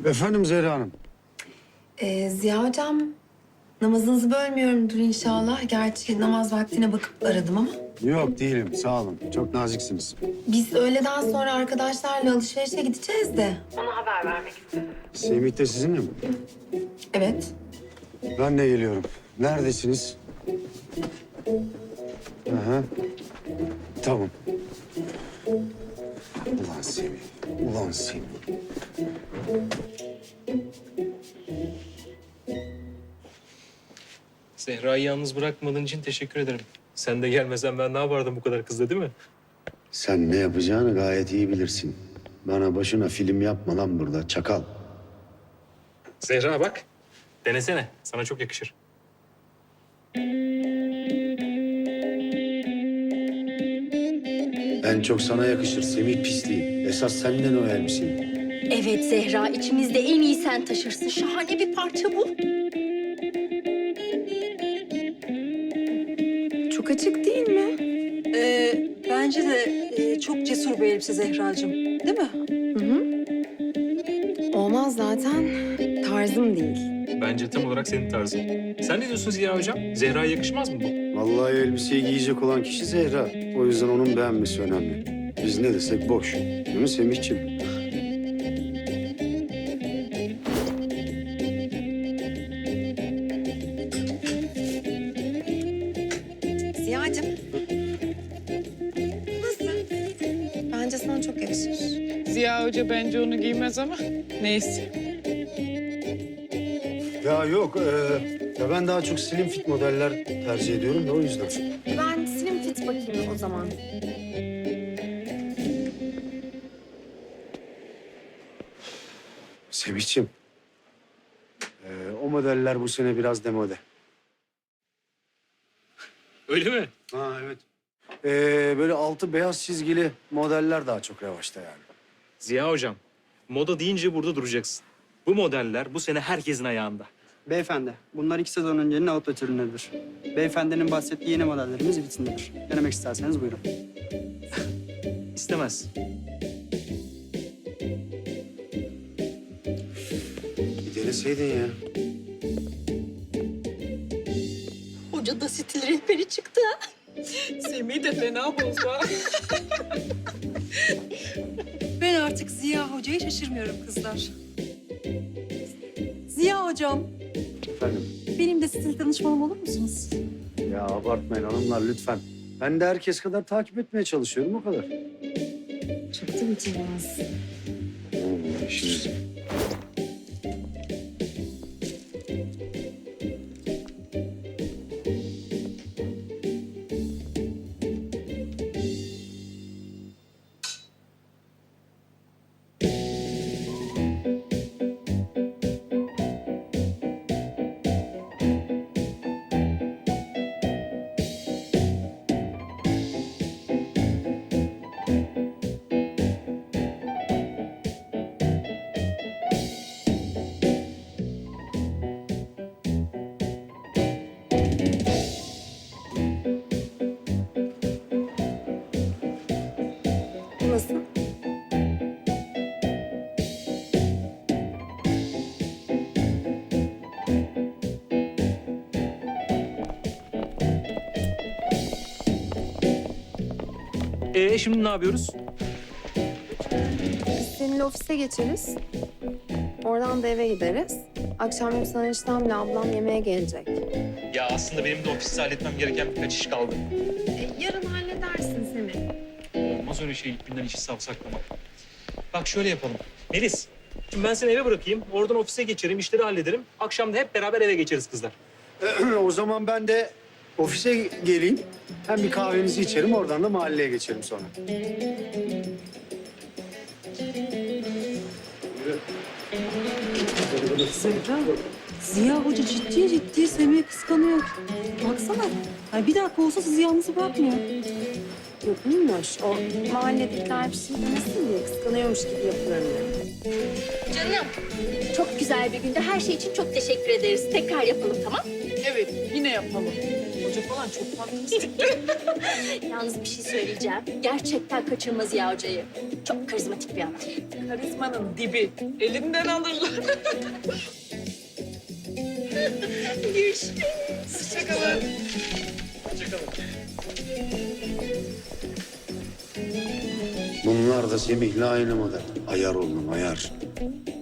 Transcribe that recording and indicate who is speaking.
Speaker 1: Efendim Zehra Hanım.
Speaker 2: Ziya Hocam, namazınızı bölmüyorumdur inşallah. Gerçi namaz vaktine bakıp aradım ama.
Speaker 1: Yok değilim, sağ olun. Çok naziksiniz.
Speaker 2: Biz öğleden sonra arkadaşlarla alışverişe gideceğiz de. Ona haber vermek istedim.
Speaker 1: Semih de sizinle mi?
Speaker 2: Evet.
Speaker 1: Ben de geliyorum. Neredesiniz? Aha. Tamam. Ulan Semih, ulan Semih.
Speaker 3: Zehra'yı yalnız bırakmadığın için teşekkür ederim. Sen de gelmesen ben ne yapardım bu kadar kızla, değil mi?
Speaker 1: Sen ne yapacağını gayet iyi bilirsin. Bana başına film yapma lan burada, çakal.
Speaker 3: Zehra bak. Denesene. Sana çok yakışır.
Speaker 1: En çok sana yakışır Semih pisliği. Esas senden o elbiseyi.
Speaker 4: Evet Zehra, içimizde en iyi sen taşırsın. Şahane bir parça bu.
Speaker 2: Çok açık değil mi?
Speaker 5: Bence de çok cesur bir elbise Zehracığım. Değil mi?
Speaker 2: Hı hı. Olmaz zaten. Tarzım değil.
Speaker 3: Bence tam olarak senin tarzın. Sen ne diyorsun Ziya Hocam? Zehra'ya yakışmaz mı bu?
Speaker 1: Vallahi elbiseyi giyecek olan kişi Zehra. O yüzden onun beğenmesi önemli. Biz ne desek boş. Değil mi Semihciğim?
Speaker 2: Ziya'cığım. Nasıl? Bence sana çok yakışır.
Speaker 6: Ziya Hoca bence onu giymez ama neyse.
Speaker 1: Ya yok, ya ben daha çok slim fit modeller tercih ediyorum da o yüzden.
Speaker 2: Ben slim fit bakayım o zaman.
Speaker 1: Semihciğim, o modeller bu sene biraz demode.
Speaker 3: Öyle mi?
Speaker 1: Ha evet. Böyle altı beyaz çizgili modeller daha çok revaçta yani.
Speaker 3: Ziya Hocam, moda deyince burada duracaksın. Bu modeller bu sene herkesin ayağında.
Speaker 7: Beyefendi, bunlar 2 sezon öncenin outlet ürünleridir. Beyefendinin bahsettiği yeni modellerimiz vitrindedir. Denemek isterseniz buyurun.
Speaker 3: İstemez.
Speaker 1: Bir deneseydin ya.
Speaker 4: Hoca da stil rehberi çıktı.
Speaker 6: Semih de fena bozdu.
Speaker 5: Ben artık Ziya Hoca'yı şaşırmıyorum kızlar. Ziya Hocam,
Speaker 1: Efendim?
Speaker 5: benim de stil danışmanım olur musunuz?
Speaker 1: Ya abartmayın hanımlar lütfen. Ben de herkes kadar takip etmeye çalışıyorum o kadar.
Speaker 2: Çok da mütevazı.
Speaker 1: İşiniz.
Speaker 2: Nasıl?
Speaker 3: Şimdi ne yapıyoruz?
Speaker 2: Biz seninle ofise geçeriz. Oradan da eve gideriz. Akşam Yüksel eniştemle ablam yemeğe gelecek.
Speaker 3: Ya aslında benim de ofiste halletmem gereken birkaç iş kaldı.
Speaker 2: Yarın halledersin Semih.
Speaker 3: Olmaz öyle şey ilk günden işi savsaklamak. Bak şöyle yapalım. Melis, şimdi ben seni eve bırakayım. Oradan ofise geçerim, işleri hallederim. Akşam da hep beraber eve geçeriz kızlar.
Speaker 1: O zaman ben de ofise geleyim. Hem bir kahvenizi içerim, oradan da mahalleye geçelim sonra.
Speaker 5: Zehra, Ziya Hoca ciddi ciddi Semih'i kıskanıyor. Baksana, ay bir dakika olsa sizi yalnız bırakmıyor.
Speaker 2: Yok muymuş? O mahalledekiler bir şey demesin diye kıskanıyormuş gibi yapıyorum yani.
Speaker 4: Canım, çok güzel bir günde her şey için çok teşekkür ederiz. Tekrar yapalım, tamam?
Speaker 6: Evet, yine yapalım.
Speaker 5: Hoca
Speaker 6: falan çok fantastik.
Speaker 4: Yalnız bir şey söyleyeceğim. Gerçekten kaçırma Ziya Hoca'yı. Çok karizmatik bir adam.
Speaker 6: Karizmanın dibi. Elinden alırlar. Görüşürüz. Hoşçakalın.
Speaker 3: Hoşçakalın.
Speaker 1: Bunlar da Semih'le aynı model. Ayar oğlum ayar.